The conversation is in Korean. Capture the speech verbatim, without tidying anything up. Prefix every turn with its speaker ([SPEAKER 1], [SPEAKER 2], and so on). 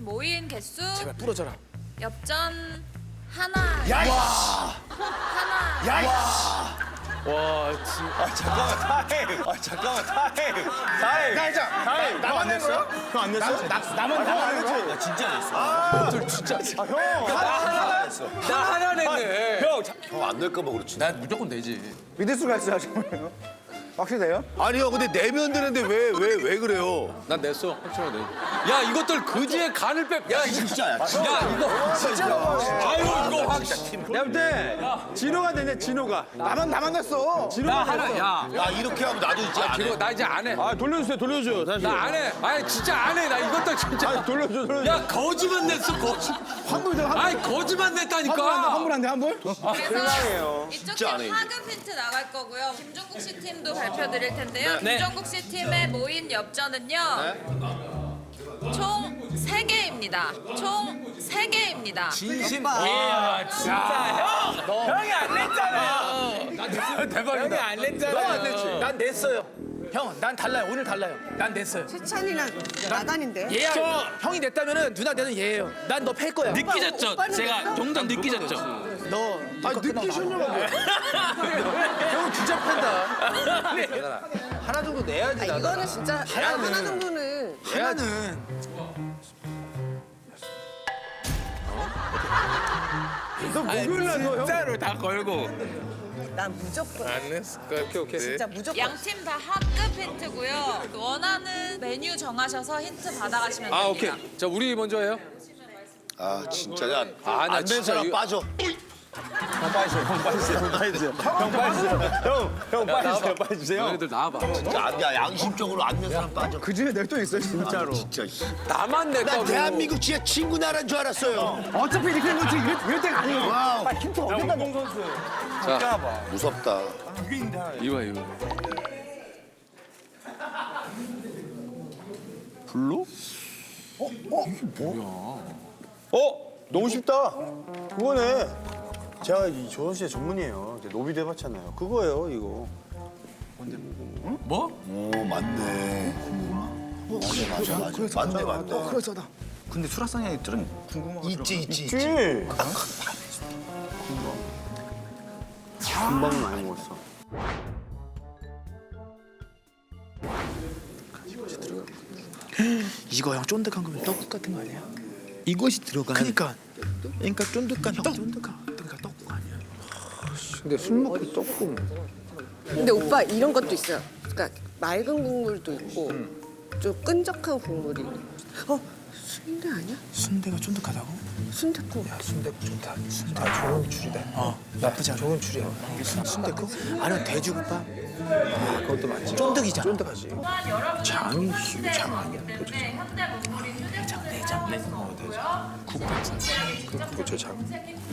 [SPEAKER 1] 모인 개수
[SPEAKER 2] 제발 부러져라.
[SPEAKER 1] 엽전 하나.
[SPEAKER 3] 야,
[SPEAKER 1] 하나.
[SPEAKER 3] 야,
[SPEAKER 2] 와, 진.
[SPEAKER 3] 아 잠깐만 타임. 아 잠깐만 타임. 타임.
[SPEAKER 4] 나 진짜
[SPEAKER 3] 타임.
[SPEAKER 4] 나만 낸 거야?
[SPEAKER 3] 형안 냈어?
[SPEAKER 4] 나, 나만 나만 냈지.
[SPEAKER 3] 나 진짜 냈어.
[SPEAKER 2] 들 진짜.
[SPEAKER 3] 아 형. 나 하나 냈어.
[SPEAKER 2] 나 하나 냈네.
[SPEAKER 3] 형, 형 안 낼까 봐 그렇지.
[SPEAKER 2] 난 무조건 내지.
[SPEAKER 4] 믿을 수가 있어요, 정말요? 확실해요?
[SPEAKER 5] 아니요, 근데 내면 되는데 왜 왜 왜 그래요?
[SPEAKER 2] 난 냈어. 확실하게 내. 야, 이것들 그지의 간을 빼. 야, 이거
[SPEAKER 3] 진짜야.
[SPEAKER 2] 야, 이거 진짜. 아유, 이거 확.
[SPEAKER 4] 내가 볼때 진호가 되네, 진호가. 나만 나만 냈어.
[SPEAKER 2] 나 하나. 야,
[SPEAKER 3] 야 이렇게 하면 나도 이제 안
[SPEAKER 2] 그리고
[SPEAKER 3] 해.
[SPEAKER 2] 나 이제 안 해.
[SPEAKER 4] 아, 돌려주세요, 돌려줘요. 다시.
[SPEAKER 2] 나 안 해. 아니 진짜 안 해. 나 이것들 진짜.
[SPEAKER 4] 아, 돌려줘, 돌려줘.
[SPEAKER 2] 야, 거지만 냈어. 거지.
[SPEAKER 4] 환불 돼, 환불.
[SPEAKER 2] 아니 거지만 냈다니까.
[SPEAKER 4] 환불 안 돼, 환불?
[SPEAKER 1] 그래서 이쪽 팀
[SPEAKER 3] 안 해, 이제.
[SPEAKER 1] 하급 힌트 나갈 거고요. 김종국 씨 팀도 발표드릴 텐데요.
[SPEAKER 2] 네.
[SPEAKER 1] 김종국 씨 팀의 모인 엽전은요. 총 세 개입니다. 총 세 개입니다.
[SPEAKER 2] 진심. 야, 진짜 형. 너. 형이 안 냈잖아요. 나 냈어. 대박이다. 형이 안 냈잖아. 너 안 냈지.
[SPEAKER 6] 난 냈어요. 형, 난 달라요. 오늘 달라요. 난 냈어요.
[SPEAKER 7] 세찬이랑 나단인데.
[SPEAKER 6] 얘야. 형이 냈다면은 누나 내는 얘예요. 난 너 팰 거야.
[SPEAKER 8] 느끼셨죠? 제가 용돈 느끼셨죠?
[SPEAKER 6] 너.
[SPEAKER 4] 아, 느끼셨냐고.
[SPEAKER 6] 형 진짜 팬다.
[SPEAKER 2] 하나 정도 내야지.
[SPEAKER 7] 아, 이거는 진짜 하나 정도는.
[SPEAKER 6] 하나는
[SPEAKER 4] 너 목요일 날 너, 형.
[SPEAKER 8] 진짜로 다 걸고
[SPEAKER 7] 난 무조건.
[SPEAKER 8] 안 냈을 거야. 오케이 오케이.
[SPEAKER 7] 진짜 무조건.
[SPEAKER 1] 양 팀 다 하급 힌트고요. 원하는 메뉴 정하셔서 힌트 받아가시면 됩니다.
[SPEAKER 2] 아, 오케이. 자, 우리 먼저 해요.
[SPEAKER 3] 아 진짜야.
[SPEAKER 2] 아, 나
[SPEAKER 3] 안 된
[SPEAKER 2] 진짜
[SPEAKER 3] 사람
[SPEAKER 2] 이거-
[SPEAKER 3] 빠져.
[SPEAKER 4] 형 빠지세요, 형 빠지세요. 형 빠지세요. 형 빠지세요. 형, 형 빠지세요, 빠지세요.
[SPEAKER 2] 너희들 나와봐.
[SPEAKER 3] 진짜 안 돼. 양심적으로 안 된 사람 빠져.
[SPEAKER 4] 그 중에 낼 돈 있어요, 진짜로.
[SPEAKER 3] 진짜. 씨.
[SPEAKER 2] 나만
[SPEAKER 3] 나
[SPEAKER 2] 냈다고.
[SPEAKER 3] 대한민국 진짜 친구 나라인 줄 알았어요.
[SPEAKER 4] 어차피 이렇게 된 거지, 이럴, 이럴 때가 아니에요.
[SPEAKER 3] 와우.
[SPEAKER 4] 아, 힌트 어디다 공 선수.
[SPEAKER 3] 무섭다.
[SPEAKER 2] 이거 이거.
[SPEAKER 4] 어? 너무 쉽다. 그거네. 제가 이 조선 시대 전문이에요. 이제 노비도 해봤잖아요. 그거예요, 이거.
[SPEAKER 2] 뭐?
[SPEAKER 3] 오 맞네. 맞아 맞아 맞아. 맞네 맞네.
[SPEAKER 4] 그러잖아.
[SPEAKER 6] 근데 수라상에 들은 궁금한
[SPEAKER 3] 있지 있지
[SPEAKER 4] 있지.
[SPEAKER 3] 있지.
[SPEAKER 4] 금방은 많이 먹었어.
[SPEAKER 6] 이거 형 쫀득한 거면 떡국 같은 거 아니야? 이것이 들어간. 그러니까. 그러니까 쫀득한 형 쫀득한. 그러니까 떡국 아니야?
[SPEAKER 4] 근데 술 먹고 떡국.
[SPEAKER 7] 근데 오빠 이런 것도 있어요. 그러니까 맑은 국물도 있고 좀 끈적한 국물이. 어? 순대 아니야?
[SPEAKER 6] 순대가 쫀득하다고?
[SPEAKER 7] 순댓국.
[SPEAKER 6] 순대국 좋다. 순대 좋은 줄이다. 어, 나쁘지 않아. 좋은 줄이야. 순대국? 아니면 돼지국밥? 아, 그것도 맞지. 쫀득이잖아. 쫀득하지. 장이 이거 장 아니야?
[SPEAKER 1] 현대 문물인 휴대폰에서
[SPEAKER 6] 내장, 내장. 어, 내장. 국밥. 그 그거 저 장.